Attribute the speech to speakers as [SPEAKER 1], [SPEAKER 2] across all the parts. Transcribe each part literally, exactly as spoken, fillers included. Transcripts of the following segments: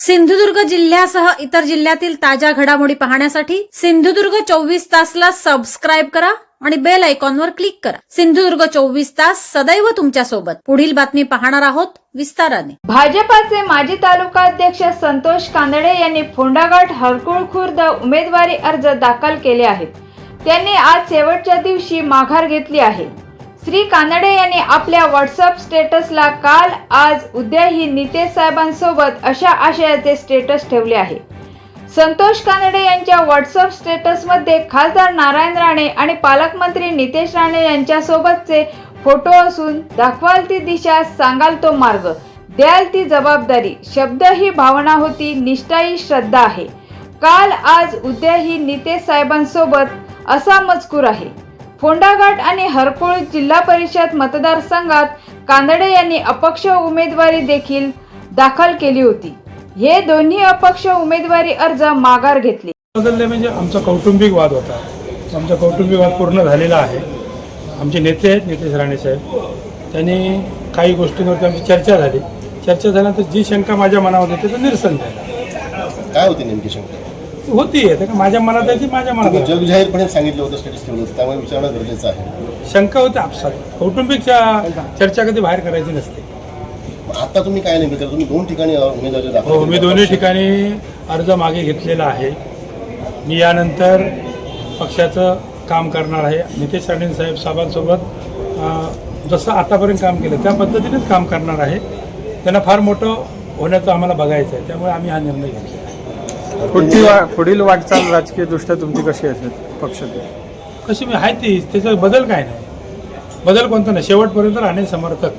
[SPEAKER 1] सिंधुदुर्ग जिल्ह्यासह इतर जिल्ह्यातील ताज्या घडामोडी पाहण्यासाठी सिंधुदुर्ग चोवीस तासला सबस्क्राईब करा आणि बेल आयकॉनवर क्लिक करा। सिंधुदुर्ग चोवीस तास सदैव तुमच्या सोबत। पुढील बातमी पाहणार आहोत विस्ताराने।
[SPEAKER 2] भाजपाचे माजी तालुका अध्यक्ष संतोष कांदळे यांनी फोंडाघाट हरकुळ खुर्द उमेदवारी अर्ज दाखल केले आहेत। त्यांनी आज शेवटच्या दिवशी माघार घेतली आहे। श्री कांदळे यांनी आपल्या व्हॉट्सअप स्टेटसला काल आज उद्याही नितेश साहेबांसोबत अशा आशयाचे स्टेटस ठेवले आहे। संतोष कांदळे यांच्या व्हॉट्सअप स्टेटसमध्ये खासदार नारायण राणे आणि पालकमंत्री नितेश राणे यांच्यासोबतचे फोटो असून दाखवाल ती दिशा, सांगाल तो मार्ग, द्याल ती जबाबदारी, शब्द ही भावना होती, निष्ठा ही श्रद्धा आहे, काल आज उद्याही नितेश साहेबांसोबत असा मजकूर आहे। फोंडाघाट आणि हरकुळ जिल्हा परिषद मतदारसंघात कांदळे यांनी अपक्ष उमेदवारी देखील दाखल केली होती। हे दोन्ही अपक्ष उमेदवारी अर्ज माघार घेतले।
[SPEAKER 3] बदलले म्हणजे आमचा कौटुंबिक वाद होता। आमचा कौटुंबिक वाद पूर्ण झालेला आहे। आमचे नेते आहेत नितेश राणे साहेब, त्यांनी काही गोष्टींवरती आमची चर्चा झाली। चर्चा झाल्यानंतर जी शंका माझ्या मनात होती त्याचं निरसन झालं।
[SPEAKER 4] काय होती नेमकी शंका?
[SPEAKER 3] होती आहे का माझ्या मनात आहे ती माझ्या मनात आहे।
[SPEAKER 4] जग जाहीरपणे सांगितलं होतं, स्टेटस ठेवलं होतं, त्यामुळे विचारणं गरजेचं आहे।
[SPEAKER 3] शंका होती आपसात, कौटुंबिक चर्चा कधी बाहेर करायची नसते।
[SPEAKER 4] आता तुम्ही काय नाही तुम्ही दोन ठिकाणी उमेदवारी दाखल
[SPEAKER 3] हो, मी दोन्ही ठिकाणी अर्ज मागे घेतलेला आहे। मी यानंतर पक्षाचं काम करणार आहे। नितेश राणे साहेब साहेबांसोबत जसं आतापर्यंत काम केलं त्या पद्धतीनेच काम करणार आहे। त्यांना फार मोठं होण्याचं आम्हाला बघायचं आहे, त्यामुळे आम्ही हा निर्णय घेतलेला आहे।
[SPEAKER 5] पुढची वा पुढील वाटचाल राजकीय दृष्ट्या तुमची कशी असेल पक्षाची?
[SPEAKER 3] कशी मी आहे ती, त्याचा बदल काय नाही, बदल कोणता नाही, शेवटपर्यंत राहणे समर्थक।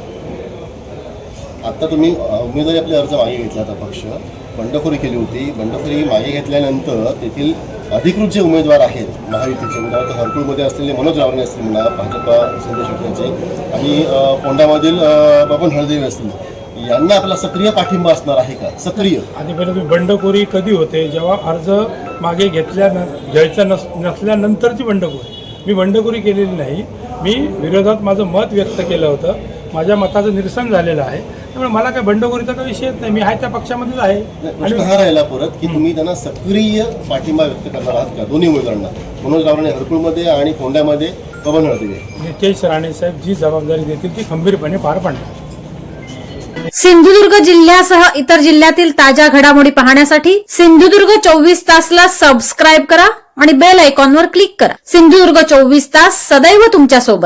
[SPEAKER 4] आता तुम्ही उमेदवारी आपले अर्ज मागे घेतला होता, पक्ष बंडखोरी केली होती। बंडखोरी मागे घेतल्यानंतर तेथील अधिकृत जे उमेदवार आहेत महायुतीचे, उदाहरणार्थ हरकुळमध्ये असलेले मनोज रावणे असतील म्हणा, भाजपा संदेश शेट्टीचे, आणि फोंडामधील बबन हळदेवे असतील, यांना आपला सक्रिय पाठिंबा असणार आहे का? सक्रिय
[SPEAKER 3] आधीपर्यंत बंडखोरी कधी होते? जेव्हा अर्ज मागे घेतल्या घ्यायचा नस नसल्यानंतरची बंडखोरी। मी बंडखोरी केलेली नाही, मी विरोधात माझं मत व्यक्त केलं होतं, माझ्या मताचं निरसन झालेलं आहे। त्यामुळे मला काय बंडखोरीचा काही विषयच नाही, मी आहे त्या पक्षामध्येच आहे।
[SPEAKER 4] प्रश्न हा राहिला परत की तुम्ही त्यांना सक्रिय पाठिंबा व्यक्त करणार आहात का दोन्ही उमेदवारांना, मनोज रावणे हरकुळमध्ये आणि फोंड्यामध्ये बबन हळदेवे?
[SPEAKER 3] नितेश राणे साहेब जी जबाबदारी देतील ती खंबीरपणे पार पाडणार।
[SPEAKER 1] सिंधुदुर्ग जिल्ह्यासह इतर जिल्ह्यातील ताज्या घडामोडी पाहण्यासाठी सिंधुदुर्ग चोवीस तासला सबस्क्राईब करा आणि बेल आयकॉनवर क्लिक करा। सिंधुदुर्ग चोवीस तास सदैव तुमच्या सोबत।